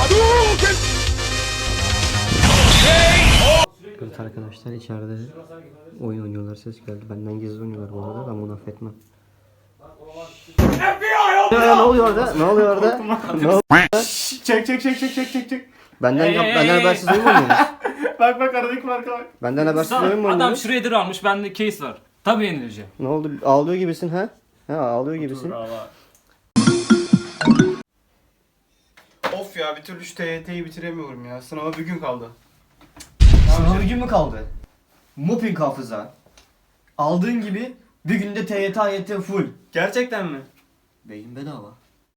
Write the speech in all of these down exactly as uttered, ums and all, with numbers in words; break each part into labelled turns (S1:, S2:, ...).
S1: Evet arkadaşlar, içeride oyun oynuyorlar, ses geldi. Benden gizli oynuyorlar bu arada, ben bunu affetmem. Ya, ne oluyor orada? Ne oluyor orada? Ne oluyor?
S2: Çek çek çek çek çek çek çek.
S1: Benden
S3: Hey,
S1: yap,
S3: hey,
S1: benden
S3: hey.
S1: habersiz oyun mu oynuyorsunuz?
S2: Bak bak aradaki farka bak.
S1: Benden habersiz oyun mu
S3: Adam
S1: oynuyorsunuz?
S3: Shredder almış, bende case var. Tabii yenileceğim.
S1: Ne oldu? Ağlıyor gibisin ha? Ha, ağlıyor gibisin.
S2: Of ya, bir türlü şu T Y T'yi bitiremiyorum ya. Sınava bir gün kaldı.
S4: Sınava bir gün mü kaldı? Mopping hafıza. Aldığın gibi bir günde T Y T A Y T full.
S2: Gerçekten mi?
S4: Beyin bedava.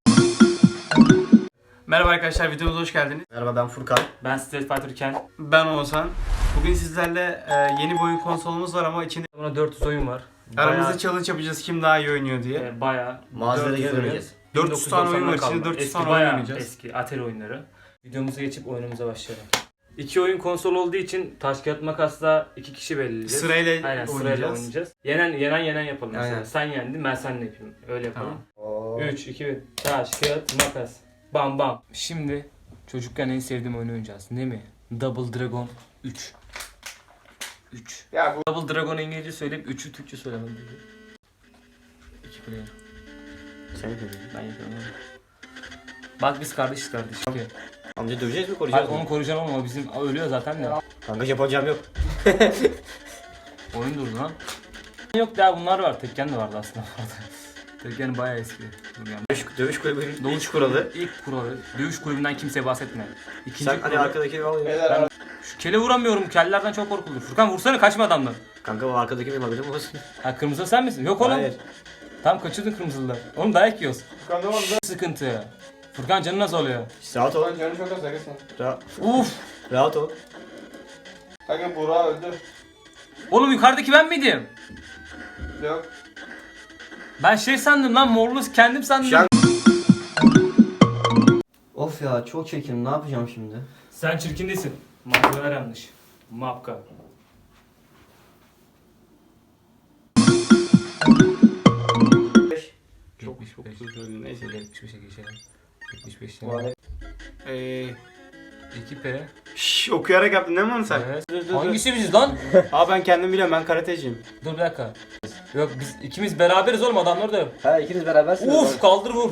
S2: Merhaba arkadaşlar, videomuza hoş geldiniz.
S4: Merhaba, ben Furkan.
S3: Ben Street Fighter Ken.
S2: Ben Oğuzhan. Bugün sizlerle e, yeni bir oyun konsolumuz var ama içinde
S3: Buna dört yüz oyun var.
S2: aramızda challenge yapacağız kim daha iyi oynuyor diye.
S3: e, bayağı
S4: Mağazalara
S3: dört yüz
S4: geri
S3: oyun.
S4: döneceğiz.
S2: dört yüz tane oyun var
S3: kalma.
S2: içinde, dört yüz
S3: Eski,
S2: tane oyun
S3: bayağı
S2: oynayacağız.
S3: Eski Atari oyunları. Videomuza geçip oyunumuza başlayalım. İki oyun konsol olduğu için taş kağıt makasla iki kişi belirleyeceğiz.
S2: Sırayla
S3: Aynen, sırayla
S2: oynayacağız.
S3: oynayacağız. Yenen yenen yenen yapalım mesela.
S2: Aynen.
S3: Sen yendin, ben seninle yapayım. Öyle yapalım.
S4: Oo.
S3: üç, iki, bir. Taş, kağıt, makas. Bam bam. Şimdi çocukken en sevdiğim oyunu oynayacağız. Ne mi? Double Dragon üç. üç.
S2: Ya bu
S3: Double Dragon İngilizce söyleyip üçü Türkçe söylemem gerekiyor. iki player.
S1: Sen söyle.
S3: Ben yapıyorum onu. Bak biz kardeşiz kardeş. Okay.
S1: Amca döveceğiz mi,
S3: Bak
S1: koruyacağız
S3: onu
S1: mı?
S3: koruyacağım ama bizim ölüyor zaten de.
S1: Kanka yapacağım yok.
S3: Oyun durdu lan. Yok daha bunlar var. Tekken de vardı aslında. Tekken bayağı eski. Dur yani.
S1: Dövüş, dövüş kulübünün
S3: Dövüş
S1: ilk kuralı.
S3: İlk kuralı. Dövüş kulübünden kimseye bahsetme. İkinci
S1: Sen hani
S3: kuralı.
S1: arkadaki al ya.
S2: Beyler,
S3: Şu kele vuramıyorum. Kellerden çok korkulur. Furkan vursana, kaçma adamdan.
S1: Kanka o arkadaki benim haberim olsun.
S3: Ha, kırmızı sen misin? Yok oğlum.
S1: Hayır.
S3: Tam kaçırdın kırmızılar. Oğlum dayak yiyoruz.
S2: Furkan ne oldu?
S3: Sıkıntı. Furkan canı nasıl oluyor?
S1: Rahat ol.
S2: Furkan canı çok az arkadaşlar.
S1: Ra
S3: Uf.
S1: rahat ol.
S2: Kanka Burak öldü.
S3: Oğlum yukarıdaki ben miydim?
S2: Yok.
S3: Ben şey sandım lan, morlu kendim sandım.
S1: Şu an-
S4: Of ya, çok çekim. Ne yapacağım şimdi?
S3: Sen çirkin değilsin. Malzemeler yanlış. Mapka.
S2: Çok çok özür dilerim. Neyse.
S3: yetmiş beşe geçelim. yetmiş beş.
S1: Bu arada-
S2: Eee.
S3: iki P.
S2: Şşş, okuyarak yaptın değil mi onu sen?
S3: Evet.
S2: Dur, dur, dur.
S3: Hangisi biziz lan?
S2: Aa, ben kendim biliyorum, ben karateciyim.
S3: Dur bir dakika. Yok biz ikimiz beraberiz oğlum, adamlar da yok.
S1: Ha, ikiniz berabersiniz.
S3: Uf, kaldır vur.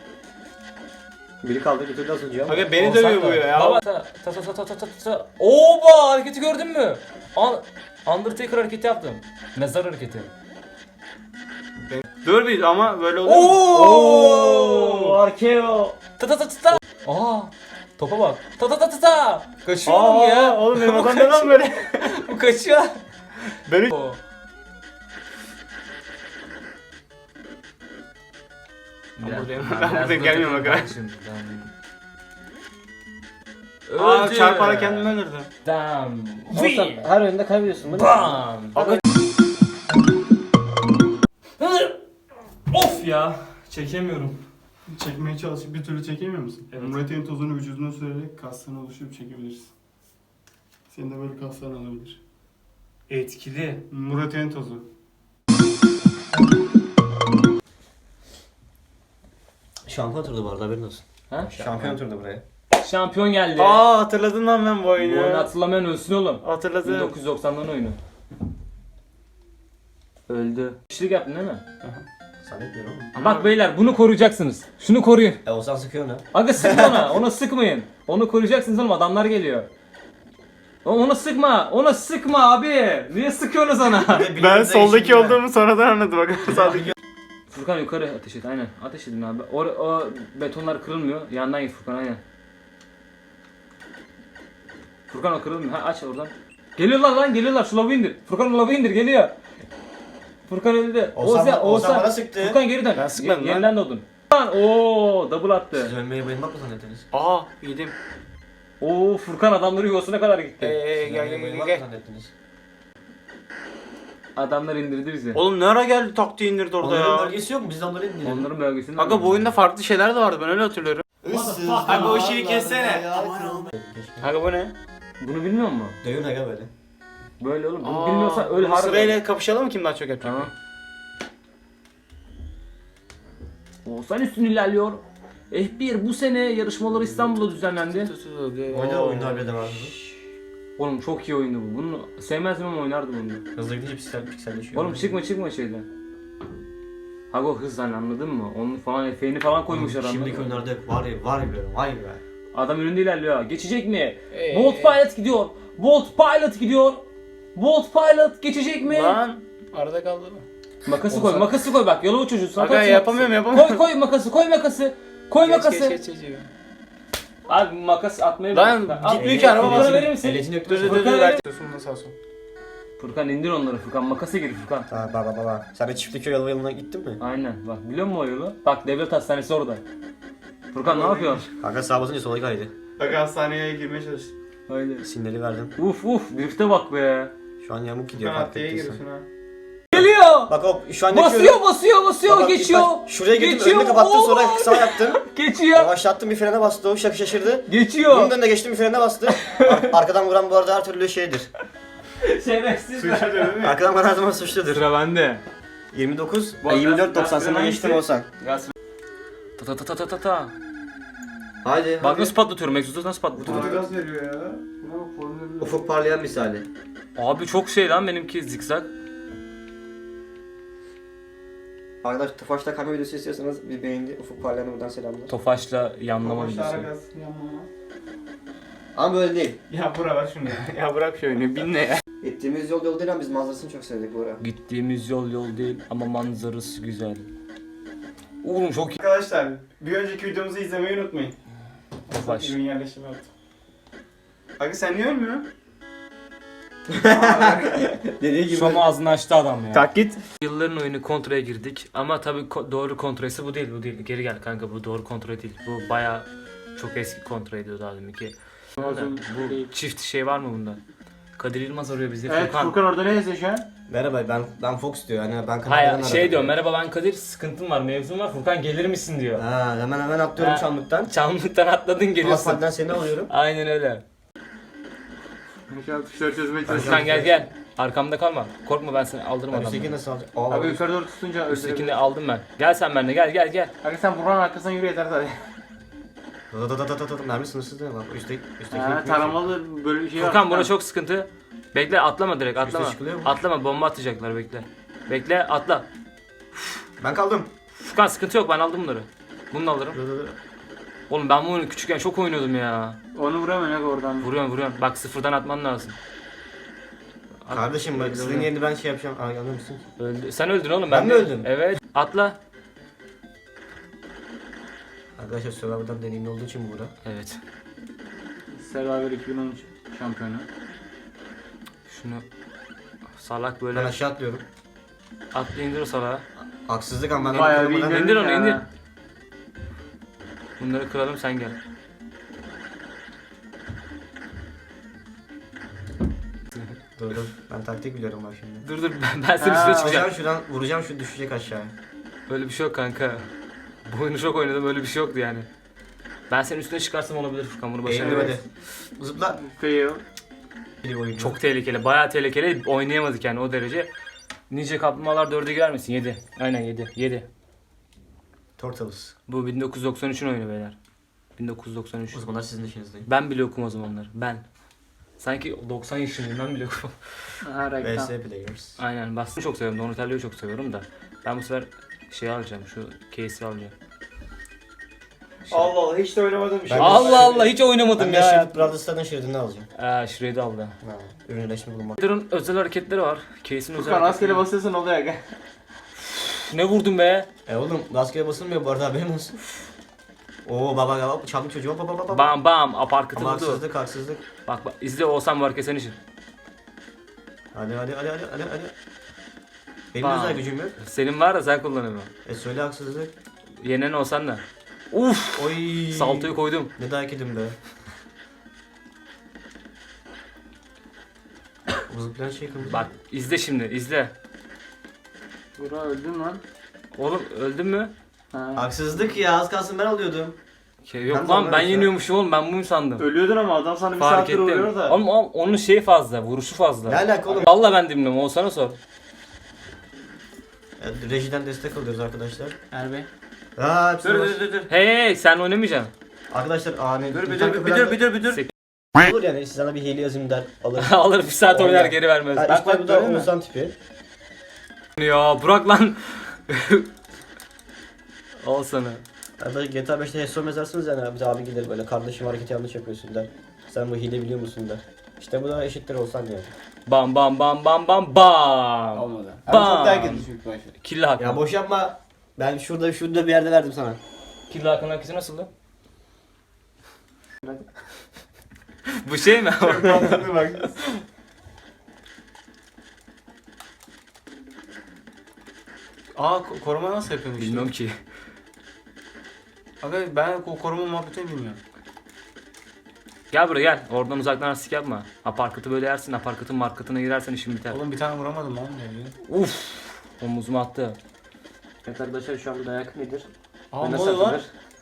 S1: Biri kaldı, bir türlü asılacağım.
S2: Kanka beni
S3: Olsan
S2: dövüyor
S3: da.
S2: bu ya.
S3: Baba ta ta ta ta ta ta ta ta. Oba, hareketi gördün mü? An Undertaker hareketi yaptım. Mezar hareketi.
S2: Dur bir ama böyle olur mu?
S3: Oo!
S4: Arkeo.
S3: Ta ta ta ta ta. Aa! Topa bak. Ta ta ta ta ta. Kaçıyor oğlum ya.
S2: Oğlum benim
S3: Bu
S2: adam neden
S3: kaçıyor.
S2: böyle?
S3: Bu kaçıyor.
S2: Beni...
S3: Oo.
S2: Ben
S3: Biraz-
S2: buradayım.
S3: ben
S2: Ben
S3: biraz
S2: buradayım,
S3: burada
S2: gelmiyorum
S3: takılayım
S2: bak.
S3: şimdi,
S2: Aa,
S3: Öldü.
S2: çarparak kendimi öldürdüm.
S3: Damn.
S1: Olsan her oyunda kaybediyorsun. Bu ne?
S3: Bam.
S2: Abi-
S3: Of ya. Çekemiyorum.
S2: Çekmeye çalışıp bir türlü çekemiyor musun?
S3: Evet.
S2: Murat'ın tozunu vücuduna sürerek kaslarını oluşturup çekebilirsin. Senin de böyle kasların olabilir.
S3: Etkili.
S2: Murat'ın tozu.
S1: Şampiyon turdu bu arada, haberin olsun.
S3: Ha?
S1: Şampiyon turdu buraya.
S3: Şampiyon geldi.
S2: Aa, hatırladım lan ben bu
S3: Bu oyunu
S2: oyunu.
S3: hatırlamayan ölsün oğlum. bin
S2: Hatırladım.
S3: dokuz yüz doksanların oyunu. Öldü. Kişilik yaptın değil mi?
S1: Zannetmiyorum ama.
S3: Bak beyler, bunu koruyacaksınız. Şunu koruyun.
S1: E olsan sıkıyor onu.
S3: Aga sıkma ona. Ona sıkmayın. Onu koruyacaksınız oğlum, adamlar geliyor. Oğlum ona sıkma. Ona sıkma abi. Niye sıkıyorsunuz ona?
S2: Ben soldaki olduğumu sonradan anladım bak. Sağdaki.
S3: Furkan yukarı ateş et, aynen. Ateş edin abi. O, o betonlar kırılmıyor. Yandan git Furkan, aynen. Furkan o kırılmıyor. Ha, aç oradan. Geliyorlar lan, geliyorlar. Şu lavı indir. Furkan o lavı indir, geliyor. Furkan öldü.
S1: Oğuzhan- Oğuzhan bana sıktı.
S3: Furkan geri dön.
S2: Ben sıkmadım
S3: Ye-
S2: lan.
S3: Yeniden doğdun. Lan ooo double attı.
S1: Siz ölmeye bayılmak mı zannettiniz?
S2: Aa, yedim.
S3: Oo Furkan adamları yuvasına kadar gitti.
S2: Eee
S1: Siz
S2: gel
S1: ölmeye
S2: gel gel
S1: bayılmak mı
S2: gel.
S1: zannettiniz?
S3: Adamlar indirdi bizi.
S2: Oğlum ne ara geldi taktiği indirdi orada
S1: Onların
S2: ya.
S1: bölgesi yok mu? Biz de onları indirelim.
S3: Onların bölgesinde.
S2: Aga bu oyunda farklı şeyler de vardı, ben öyle hatırlıyorum.
S1: Issız
S2: Aga o şeyi kessene. Aga bu ne?
S3: Bunu bilmiyor musun?
S1: Dövün aga böyle.
S3: Böyle oğlum. Bunu
S2: Aa,
S3: bilmiyorsan öl
S2: bunu
S3: harbi.
S2: Sırayla kapışalım mı, kim daha çok yapacak?
S3: Tamam. Oğuzhan üstün ilerliyor. F bir bu sene yarışmaları İstanbul'da düzenlendi.
S1: Oyunda oyunlar bile de vardı.
S3: Oğlum çok iyi oyundu bu. Bunu sevmezdim ama oynardım onu.
S1: Hızlı gidince piksel pikselleşiyor.
S3: Oğlum çıkma çıkma şeyden. Hago hız hani anladın mı? Onun falan efeğini falan koymuşlar anladın
S1: Şimdiki
S3: mı?
S1: oyunlarda hep var ya var ya vay be.
S3: Adam önünde ilerliyor. Geçecek mi? Bolt Pilot gidiyor. Bolt Pilot gidiyor. Bolt Pilot geçecek mi?
S2: Lan arada kaldı mı?
S3: Makası koy, makası koy bak. Yolu çocuğu.
S2: Aga yapamıyorum yapamıyorum.
S3: Koy koy makası, koy makası. Koy makası.
S2: Geç, geç, geç, geç.
S3: Abi makas atmayı
S2: Lan,
S3: bırak. Al,
S2: gitmiyor ki, araba
S3: Furkan'a
S2: basıyor.
S3: verir misin?
S1: Eletini
S2: Dur dur dur
S3: Furkan
S2: dur.
S3: verir-
S2: Ver. Sağ olsun.
S3: Furkan indir onları Furkan. Makasa gir Furkan.
S1: Ha baba baba. Sen de çiftlik yolu yoluna gittin mi?
S3: Aynen. Bak biliyor musun o yolu? Bak devlet hastanesi orada. Furkan ne yapıyorsun?
S1: Kanka sağa basınca sola kaydı.
S2: Aga hastaneye girmeye çalıştım.
S3: Aynen.
S1: Sinyali verdim.
S3: Uf uf drift'e bak be.
S1: Şu an yamuk gidiyor
S2: Furkan
S1: fark
S2: adliyeye
S1: ettiysen.
S2: giriyorsun ha.
S3: Geliyor.
S1: Bak hop şu an
S3: Basıyor
S1: geçiyorum.
S3: basıyor basıyor
S1: Bak, bak, ilk
S3: geçiyor.
S1: baş- Şuraya girdim
S3: Geçiyor.
S1: önünü kapattım sonra
S3: Oo.
S1: sağ yaptım.
S3: Geçiyor.
S1: Yavaşlattım bir frene bastı o şakı şaşırdı.
S3: Geçiyor.
S1: Bunun önüne geçtim bir frene bastı. Ar- arkadan vuran bu arada her türlü şeydir.
S3: Şerefsiz.
S2: Suçlu değil mi?
S1: Arkadan vuran her zaman suçludur.
S3: Sıra bende.
S1: yirmi dokuz,
S3: Bu
S1: ay, yirmi dört
S3: gaz-
S1: doksan
S3: gaz
S1: sana
S3: fren
S1: geçtim
S3: hangisi?
S1: olsan.
S3: Gaz. Ta ta ta ta ta ta ta.
S1: Haydi.
S3: Bak
S1: hadi.
S3: nasıl patlatıyorum. Exhaust'u nasıl patlatıyorum?
S2: Bana gaz veriyor ya. Buna bak formülü.
S1: Ufuk parlayan misali.
S3: Abi çok şey lan benimki zikzak.
S1: Arkadaşlar Tofaş'ta kamera videosu istiyorsanız bir beğendi. Ufuk parlayan'a buradan selamlar.
S3: Tofaşla yanlama
S2: Başta ara
S3: videosu.
S2: gaz yanmama.
S1: Ama böyle değil.
S2: Ya bura ver şunu ya. Ya bırak şu oyunu bin ne ya.
S1: Gittiğimiz yol yol değil ama biz manzarasını çok sevdik bu ara.
S3: Gittiğimiz yol yol değil ama manzarası güzel. Oğlum çok iyi.
S2: Arkadaşlar bir önceki videomuzu izlemeyi unutmayın.
S3: Tofaş.
S2: Ürün yerleşimi yaptım. Aga sen niye ölmüyorsun?
S1: Dediği gibi.
S3: Şom ağzını açtı adam ya.
S2: Tak git.
S3: Yılların oyunu kontraya girdik ama tabii ko- doğru kontrası bu değil bu değil. Geri gel kanka bu doğru kontra değil. Bu baya çok eski kontraydı daha deminki. Bu çift şey var mı bunda? Kadir Yılmaz arıyor bizi.
S2: Evet
S3: Furkan.
S2: Furkan orada ne yazıyor şu an?
S1: Merhaba ben ben Fox diyor. Yani ben
S3: Hayır
S1: kameradan
S3: şey
S1: aradım.
S3: diyor merhaba ben Kadir sıkıntım var mevzum var Furkan gelir misin diyor.
S1: Ha hemen hemen atlıyorum
S3: Ha.
S1: çamlıktan.
S3: Çamlıktan atladın geliyorsun.
S1: Asfalttan seni alıyorum.
S3: Aynen öyle.
S2: Şu an tuşları çözmeye
S3: Furkan
S2: çalışıyorum.
S3: gel gel. Arkamda kalma. Korkma ben seni aldırım
S1: Üstteki
S3: adamı.
S1: nasıl alacak? Aa,
S2: Abi yukarı doğru tutunca
S3: Üsttekini
S2: öldürebilir.
S3: aldım ben. Gel sen benimle gel gel gel.
S2: Aga sen buranın arkasından yürü yeter zaten.
S1: Da da da da da da mermi sınırsız değil mi? Bak üstteki üstteki.
S2: Ha, taramalı böyle bir şey var.
S3: Furkan bura çok sıkıntı. Bekle atlama direkt atlama.
S1: Üste çıkılıyor mu?
S3: Atlama bomba atacaklar bekle. Bekle atla.
S1: Ben kaldım.
S3: Furkan sıkıntı yok ben aldım bunları. Bunu da alırım.
S1: Da da da.
S3: Oğlum ben bu oyunu küçükken çok oynuyordum ya.
S2: Onu vuramıyorsun aga oradan.
S3: Vuruyorum vuruyorum. Bak sıfırdan atman lazım. At-
S1: Kardeşim bak
S3: Öldü,
S1: sizin
S3: öldü.
S1: yerini ben şey yapacağım. Aa anlıyor musun?
S3: Öldü. Sen öldün oğlum.
S1: Ben mi
S3: de-
S1: öldüm?
S3: Evet. Atla.
S1: Arkadaşlar Survivor'dan deneyimli olduğu için bu bura.
S3: Evet.
S2: Survivor iki bin on üç şampiyonu.
S3: Şunu salak
S1: Ben
S3: böyle
S1: aşağı atlıyorum.
S3: atla indir o salağı.
S1: Haksızlık ama ben
S2: Bayağı bir
S1: kırmadan-
S2: indirdim
S3: İndir onu,
S2: ya.
S3: indir. Bunları kıralım sen gel.
S1: Dur dur. Ben taktik biliyorum bak şimdi.
S3: Dur dur ben, ben senin
S2: Ha,
S3: üstüne çıkacağım.
S1: Vuracağım şuradan, vuracağım şu düşecek aşağıya.
S3: Öyle bir şey yok kanka. Bu oyunu çok oynadım öyle bir şey yoktu yani. Ben senin üstüne çıkarsam olabilir Furkan bunu
S1: Eğildim
S3: başaramadım.
S1: hadi. Zıpla.
S2: Fail.
S1: Bir oyun.
S3: Çok tehlikeli, bayağı tehlikeli. Oynayamadık yani o derece. Ninja Kaplumbağalar dörde girer misin? yedi. Aynen yedi. yedi.
S1: Turtles.
S3: Bu bin dokuz yüz doksan üçün oyunu beyler. bin dokuz yüz doksan üç.
S1: O zamanlar sizin işinizdeyim.
S3: Ben bile okum o zamanlar. Ben. Sanki doksan yaşındayım ben bile okum.
S2: Ha
S1: V
S2: reklam.
S1: S Players.
S3: Aynen Boston'u çok seviyorum. Donatello'yu çok seviyorum da. Ben bu sefer şey alacağım. Şu case'i alacağım. Şey-
S2: Allah Allah hiç de oynamadım bir şey.
S1: Ben-
S3: Allah Allah hiç oynamadım
S1: Ben de
S3: ya.
S1: Shred Brothers'tan Shred'ini alacağım.
S3: Aa Shred'i aldı.
S1: Ha, ürünleşme bulunmak.
S3: Shred'in özel hareketleri var. Case'in özel
S2: Furkan rastgele
S3: hareketleri.
S2: basıyorsun oluyor aga.
S3: Ne vurdun be?
S1: E oğlum rastgele basılmıyor bu arada haberin olsun. Oo baba baba çaldım çocuğu baba baba.
S3: Bam bam aparkatı
S1: Ama
S3: vurdu.
S1: haksızlık haksızlık.
S3: Bak bak izle olsam var senin için.
S1: Hadi hadi hadi hadi hadi hadi. Benim
S3: Bam.
S1: özel gücüm yok.
S3: Senin var da sen kullanamıyorsun.
S1: E söyle haksızlık.
S3: Yenen olsan da. Uf!
S1: Oy.
S3: Saltoyu koydum.
S1: Ne dayak yedim be. Bu zıplayan şey kırmızı.
S3: Bak izle şimdi izle.
S2: Bura öldün lan.
S3: Oğlum öldün mü?
S2: Ha.
S1: Haksızlık ya az kalsın ben alıyordum.
S3: Şey, yok
S1: Ben de
S3: lan ben
S1: anlamıyorum
S3: yeniyormuşum oğlum ben bunu sandım.
S2: Ölüyordun ama adam sana bir
S3: Fark
S2: saattir
S3: ettim.
S2: vuruyor da.
S3: Oğlum, oğlum onun şeyi fazla, vuruşu fazla.
S1: Ne alaka oğlum?
S3: Valla ben dinliyorum, Oğuzhan'a sor.
S1: Evet, rejiden destek alıyoruz arkadaşlar.
S2: Erbey.
S4: Ha, hepsi
S3: Dur
S4: var.
S3: dur dur dur. Hey hey sen oynamayacaksın.
S4: Arkadaşlar ani.
S3: Dur bir
S4: internet
S3: dur bir
S4: falan
S3: dur bir dur bir dur.
S4: da- Olur yani sana bir hile yazayım der alır.
S3: Alır bir saat oynar
S4: Oynar.
S3: geri vermez.
S4: Ha,
S3: Bak
S4: işte
S3: bak
S4: bu da
S3: böyle mi?
S4: Oğuzhan tipi.
S3: Ya Burak lan. Al sana.
S4: Ya böyle G T A beşte Hesso mezarsınız yani abi, abi gelir böyle kardeşim hareketi yanlış yapıyorsun der. Sen bu hile biliyor musun der. İşte bu da eşittir olsan yani.
S3: Bam bam bam bam bam bam.
S2: Olmadı. Abi
S3: Bam.
S2: çok dayak edildi çünkü başta.
S3: Kirli Hakan.
S4: Ya boş yapma. Ben şurada şurada bir yerde verdim sana.
S3: Kirli Hakan herkesi nasıldı? Bu şey mi?
S2: Mantıklı bak. Aa ko- koruma nasıl yapıyorsun işte?
S3: Bilmiyorum ki.
S2: Abi ben o koruma muhabbetini bilmiyorum.
S3: Gel buraya gel. Oradan uzaktan artistik yapma. Aparkatı böyle yersin. Aparkatın markatına girersen işin biter.
S2: Oğlum bir tane vuramadım lan ne
S3: Uf. Omuzuma attı.
S4: Evet arkadaşlar şu anda dayak nedir?
S2: Aa
S4: Ve
S2: ne
S4: nasıl
S2: oldu lan?
S4: atılır?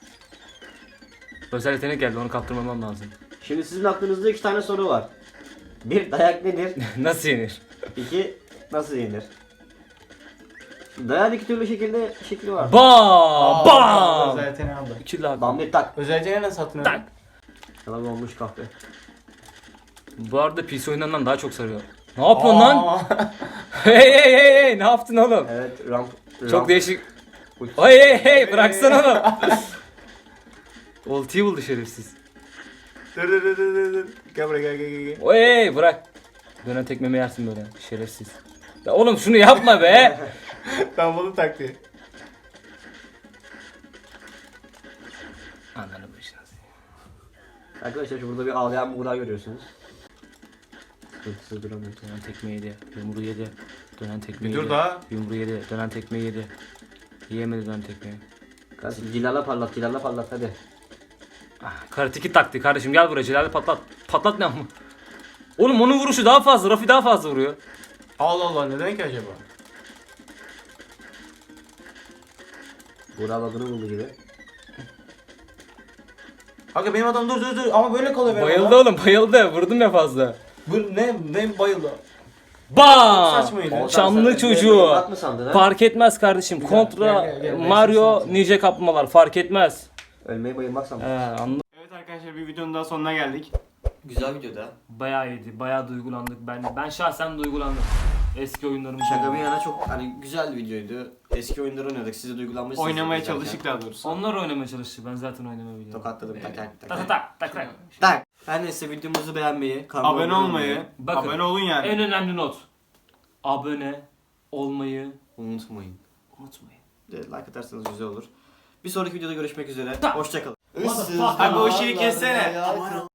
S3: Özel yetenek geldi onu kaptırmamam lazım.
S4: Şimdi sizin aklınızda iki tane soru var. Bir, dayak nedir?
S3: Nasıl yenir?
S4: İki, nasıl yenir? Dayağın iki türlü şekilde şekli var.
S3: Bam! Bam!
S2: Özel yeteneği aldı.
S3: Kirli Hakan.
S4: Bam bir tak.
S2: Özel yeteneği nasıl satın
S3: Tak.
S4: Yalan olmuş kahve.
S3: Bu arada P C oyunlarından daha çok sarıyor. Ne yapıyorsun lan? Hey hey hey hey ne yaptın oğlum?
S4: Evet ramp.
S3: Çok
S4: ramp-
S3: değişik. Hey hey hey bıraksana oğlum. Ultiyi buldu şerefsiz.
S2: Dur dur dur dur dur. Gel buraya gel gel gel. gel.
S3: Hey bırak. Dönen tekmemi yersin böyle şerefsiz. Ya oğlum şunu yapma be.
S2: Ben bunu taktı.
S3: Ananı başına.
S4: Arkadaşlar burada bir ağlayan buğday görüyorsunuz.
S3: Hırsız duramıyor. Dönen tekme yedi. Yumruğu yedi. Dönen tekme
S2: Bir
S3: yedi.
S2: dur daha.
S3: Yumruğu yedi. Dönen tekme yedi. Yiyemedi dönen tekmeyi.
S4: Kardeşim Cilal'la parlat, Cilal'la parlat hadi.
S3: Ah, karateki taktı kardeşim gel buraya Celal'i patlat. Patlat ne ama. Oğlum onun vuruşu daha fazla. Rafi daha fazla vuruyor.
S2: Allah Allah neden ki acaba?
S4: Buğday bagını buldu gibi.
S2: Aga benim adam dur dur dur ama böyle kalıyor benim
S3: Bayıldı
S2: adam.
S3: oğlum bayıldı. Vurdum ya fazla.
S2: Bu ne ne bayıldı?
S3: Bam!
S2: Saçmaydı.
S4: Oğuzhan,
S3: Çamlı
S4: sen
S3: çocuğu.
S4: bak mı sandın ha?
S3: Fark etmez kardeşim. Kontra
S2: gel, gel, gel.
S3: Mario
S2: Ben
S3: Ninja kaplamalar fark etmez.
S4: Ölmeyi bayılmak sandın.
S3: He anladım.
S2: Evet arkadaşlar bir videonun daha sonuna geldik.
S4: Güzel videoda.
S3: Bayağı iyiydi. Bayağı duygulandık. Ben ben şahsen duygulandım. Eski oyunlarımı
S4: Şaka bir yana çok hani güzel bir videoydu. Eski oyunları oynadık. Siz de duygulanmışsınız.
S2: Oynamaya
S4: izlerken.
S2: çalıştık daha doğrusu.
S3: Onlar oynamaya çalıştı. Ben zaten oynamayı biliyorum.
S4: Tokatladım tak tak tak.
S3: Tak tak
S4: tak.
S3: tak tak.
S4: Tak. Her neyse videomuzu beğenmeyi, kanalıma
S2: Abone olmayı,
S3: Bakın.
S2: abone olun yani.
S3: En önemli not. Abone olmayı
S4: unutmayın.
S3: unutmayın.
S4: De like atarsanız güzel olur. Bir sonraki videoda görüşmek üzere. Hoşçakalın.
S3: Motherfucker.
S2: Abi o şeyi kessene.
S4: Aman